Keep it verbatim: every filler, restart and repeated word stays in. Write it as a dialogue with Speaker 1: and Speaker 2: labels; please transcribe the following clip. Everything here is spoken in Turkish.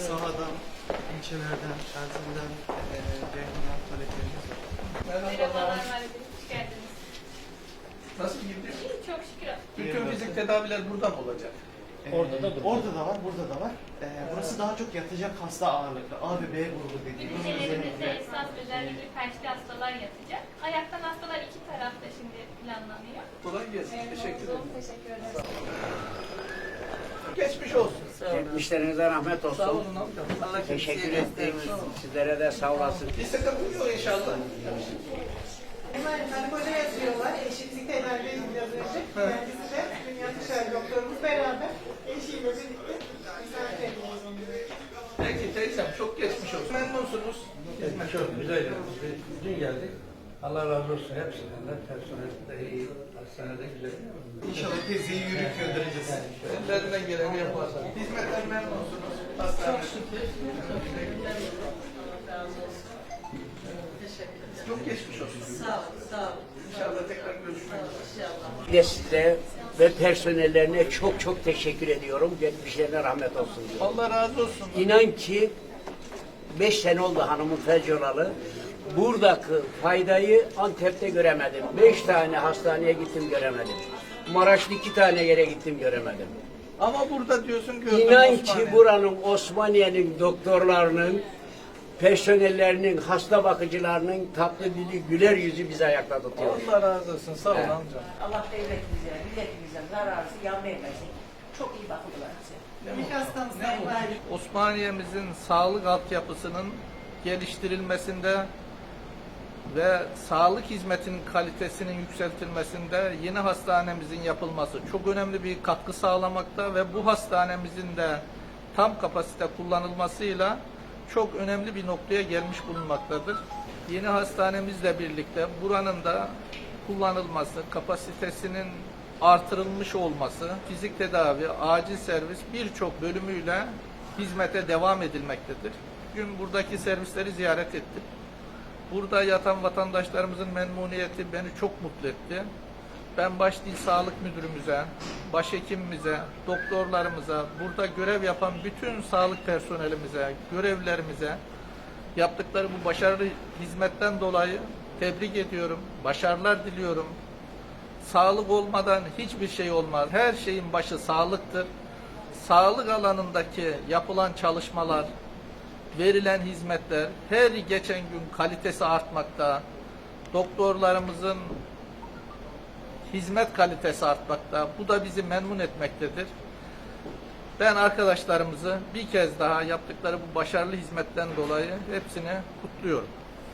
Speaker 1: sahadan, ilçelerden, Erzin'den, e, Ceyhun'dan taleplerimiz var.
Speaker 2: Merhabalar, hoş geldiniz.
Speaker 3: Nasıl gidiyor?
Speaker 2: İyi, çok şükür.
Speaker 3: Bütün fizik tedaviler burada mı olacak?
Speaker 1: Ee, orada da Orada da var, burada da var. Ee, burası daha çok yatacak hasta ağırlıklı. A ve B grubu dediğimiz
Speaker 2: Ünitelerimizde
Speaker 1: özellikle.
Speaker 2: esas özellikle felçli hastalar yatacak. Ayaktan hastalar iki tarafta şimdi planlanıyor.
Speaker 3: Kolay gelsin. Teşekkür ederim.
Speaker 2: Teşekkür ederim.
Speaker 3: Geçmiş olsun.
Speaker 4: Geçmişlerinize rahmet olsun.
Speaker 3: Sağ olun amcam. Allah
Speaker 4: Teşekkür
Speaker 3: kimseye
Speaker 4: ettik.
Speaker 3: göstermesin.
Speaker 4: Sizlere de sağ olasın.
Speaker 3: Bir sıkıntı yok inşallah.
Speaker 5: Hemen hani koca yazıyorlar, eşitlik tedavi biraz önce. Kendisi de Dünya Dışarı Doktorumuz beraber eşiyle birlikte misafir ediyoruz onları.
Speaker 3: Peki teyzem çok geçmiş olsun. Memnunsunuz.
Speaker 6: Evet, çok güzel. Biz dün geldik. Allah razı olsun hepsinden de. Personel de iyi. Hastanede güzel.
Speaker 1: İnşallah teyzeyi yürüyüp göndereceğiz.
Speaker 3: Ellerinden geleni yaparlar. Hizmetten memnunsunuz. Hastane. Çok geçmiş olsun.
Speaker 5: Sağ olun, sağ olun.
Speaker 3: İnşallah tekrar görüşmek üzere.
Speaker 5: İnşallah.
Speaker 4: Bir de size ve personellerine çok çok teşekkür ediyorum. Geçmişlerine rahmet olsun diyorum.
Speaker 3: Allah razı olsun.
Speaker 4: İnan ki beş sene oldu hanımın felç olalı. Buradaki faydayı Antep'te göremedim. Beş tane hastaneye gittim göremedim. Maraş'ta iki tane yere gittim göremedim.
Speaker 3: Ama burada diyorsun gördüm
Speaker 4: İnan
Speaker 3: Osmaniye.
Speaker 4: ki buranın Osmaniye'nin doktorlarının, personellerinin, hasta bakıcılarının tatlı dili, güler yüzü bizi ayakta tutuyor.
Speaker 3: Allah razı olsun. Sağ ol
Speaker 4: Evet.
Speaker 3: amcam.
Speaker 7: Allah devletimize, milletimize zararı yan vermesin. Çok iyi bakıldılar bize.
Speaker 5: İlk hastamız Sayın Valim.
Speaker 3: Osmaniye'mizin sağlık altyapısının geliştirilmesinde ve sağlık hizmetinin kalitesinin yükseltilmesinde yeni hastanemizin yapılması çok önemli bir katkı sağlamakta ve bu hastanemizin de tam kapasite kullanılmasıyla çok önemli bir noktaya gelmiş bulunmaktadır. Yeni hastanemizle birlikte buranın da kullanılması, kapasitesinin artırılmış olması, fizik tedavi, acil servis birçok bölümüyle hizmete devam edilmektedir. Bugün buradaki servisleri ziyaret ettim. Burada yatan vatandaşlarımızın memnuniyeti beni çok mutlu etti. Ben baş dil sağlık müdürümüze, başhekimimize, doktorlarımıza, burada görev yapan bütün sağlık personelimize, görevlilerimize yaptıkları bu başarılı hizmetten dolayı tebrik ediyorum, başarılar diliyorum. Sağlık olmadan hiçbir şey olmaz. Her şeyin başı sağlıktır. Sağlık alanındaki yapılan çalışmalar, verilen hizmetler her geçen gün kalitesi artmakta. Doktorlarımızın hizmet kalitesi artmakta. Bu da bizi memnun etmektedir. Ben arkadaşlarımızı bir kez daha yaptıkları bu başarılı hizmetten dolayı hepsini kutluyorum.